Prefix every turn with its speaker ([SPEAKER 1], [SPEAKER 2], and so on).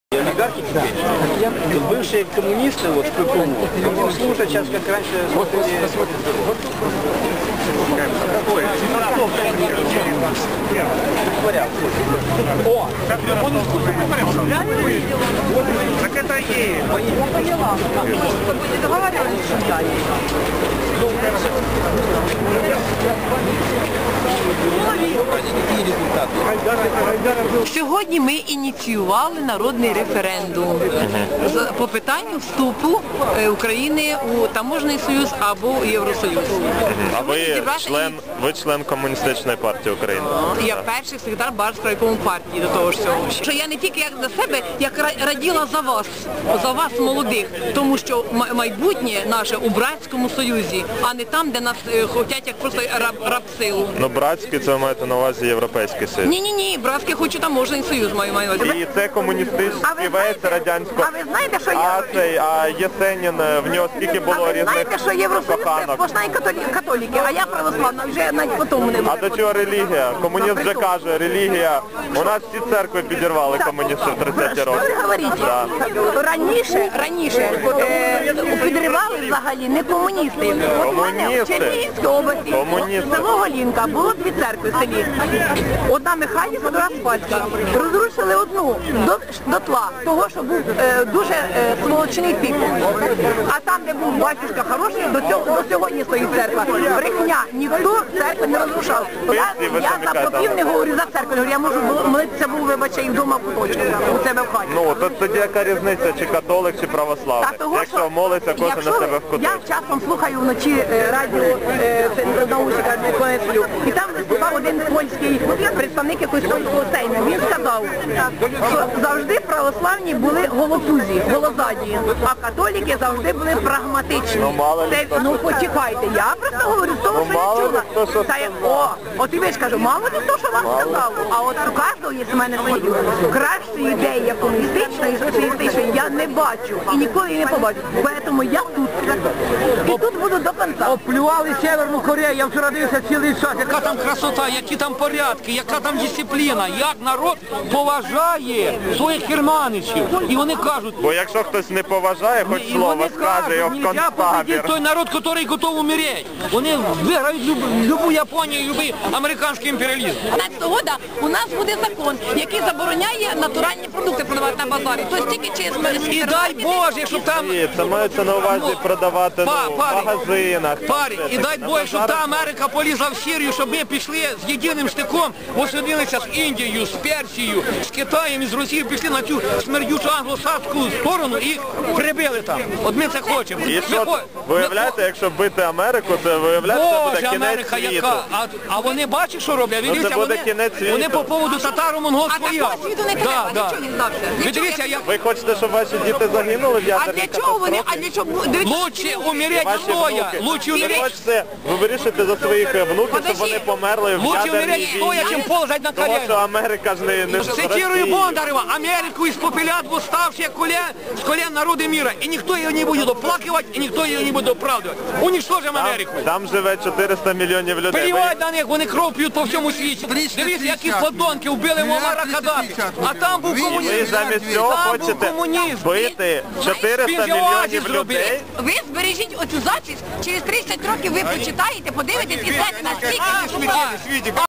[SPEAKER 1] Олигархи теперь, бывшие коммунисты вот в ППУ, они служат сейчас, как раньше смотрели... О! Так это и...
[SPEAKER 2] Сьогодні ми ініціювали народний референдум по питанню вступу України у Таможний союз або у Євросоюз.
[SPEAKER 3] А ви член Комуністичної партії України?
[SPEAKER 2] Я перший секретар Барської партії до того ж всього. Що я не тільки як за себе, як раділа за вас молодих, тому що майбутнє наше у Братському союзі, а не там, де нас хочуть як просто рабсилу.
[SPEAKER 3] Ну, Братський, це ви маєте на увазі Європейський Союз?
[SPEAKER 2] Ні, Братський хочу Таможний союз маю на увазі.
[SPEAKER 3] І це комуністичний весь радянського.
[SPEAKER 2] А ви знаєте, що
[SPEAKER 3] А Єсенін, в нього скільки було різних
[SPEAKER 2] знаєте, що Євросоюз це сплошна католіки, а я православна, вже навіть по тому не буду.
[SPEAKER 3] А до чого релігія? Комуніст вже каже, релігія. У нас всі церкви підірвали комуністи в 30-ті роки.
[SPEAKER 2] Що ви говорите? Раніше підривали взагалі не комуністи. От у мене в Чернігівській області, село Голінка, було дві церкви в селі. Одна Михайлівська, друга Спальська. Розрушили одну дотла, того, що був дуже сволочний тип. А там, де був батюшка хороший, до сьогодні стоїть церква. Брехня, ніхто церкви не розрушав. Я за попів не говорю, за церкву не говорю, я можу молитися, вибачте, і вдома в куточку, у себе в хаті.
[SPEAKER 3] Ну, тоді яка різниця, чи католик, чи православний? Якщо молиться, кожен на себе в куточку.
[SPEAKER 2] Я часом слухаю вночі радіо наушника, коли сплю, і там виступав один польський представник якогось польського сейму. Він сказав, що завжди православні були голотузі, голозаді, а католики завжди були прагматичні. Ну, почекайте, я просто говорю з того, що я чула. От і ви ж кажу, мало не то, що вам сказав, а от у кожного є в мене свої. Кращої ідеї, як комуністичної, соціалістичної, я не бачу і ніколи її не побачу. Тому я тут. І тут буду до кінця.
[SPEAKER 1] Оплювали Северну Корею, я вчора дивився цілий час, яка там красота, які там порядки, яка там дисципліна, як народ поважає своїх керманичів. І вони кажуть...
[SPEAKER 3] Бо якщо хтось не поважає, хоч слово скаже, його в концтабір.
[SPEAKER 1] Той народ, який готовий умереть. Вони виграють любу Японію, любий американський імперіалізм.
[SPEAKER 2] 15 року у нас буде закон, який забороняє натуральні продукти продавати на базарі. Тобто тільки через
[SPEAKER 1] і дай Боже, щоб там...
[SPEAKER 3] Це мається на увазі продавати в магазинах.
[SPEAKER 1] І дай Боже, щоб та Америка полізла в Сирію, щоб ми пішли з єдиним штиком, осудилися з Індією, з Персією, з Китаєм і з Росією, пішли на цю смердючу англосакську сторону і прибили там. От ми це хочемо.
[SPEAKER 3] І що, виявляєте, якщо бити Америку, то виявляєте, це буде кінець світу.
[SPEAKER 1] А вони бачать, що роблять?
[SPEAKER 3] Це буде кінець світу.
[SPEAKER 1] Вони по поводу татаро-монгольського
[SPEAKER 2] ясу. А такого світу не треба, нічого не здався.
[SPEAKER 3] Ви хочете, щоб ваші діти загинули в ядерній
[SPEAKER 2] катастрофі? А для чого вони? А для чого?
[SPEAKER 1] Лучше умереть стоя. Лучше умереть.
[SPEAKER 3] Ви вирішите за своїх внуків, щоб вони померли в ядерній війні.
[SPEAKER 1] Стоя, чим ползать на коліна.
[SPEAKER 3] Тому що Америка ж не
[SPEAKER 1] цитирую Бондарева, Америку испопелят восставшие с колен народы мира. И никто ее не будет оплакивать, и никто ее не буде оправдывать. Уничтожим Америку.
[SPEAKER 3] Там живе 400 мільйонів людей.
[SPEAKER 1] Плівать на них, вони кров п'ють по всьому світі. Дивіться, які подонки вбили Муаммара Каддафі. А там був комунізм.
[SPEAKER 3] Ви замість цього хочете бити 400 мільйонів людей.
[SPEAKER 2] Ви збережіть оцю запис, через 30 років ви прочитаєте, подивитесь і знаєте, наскільки...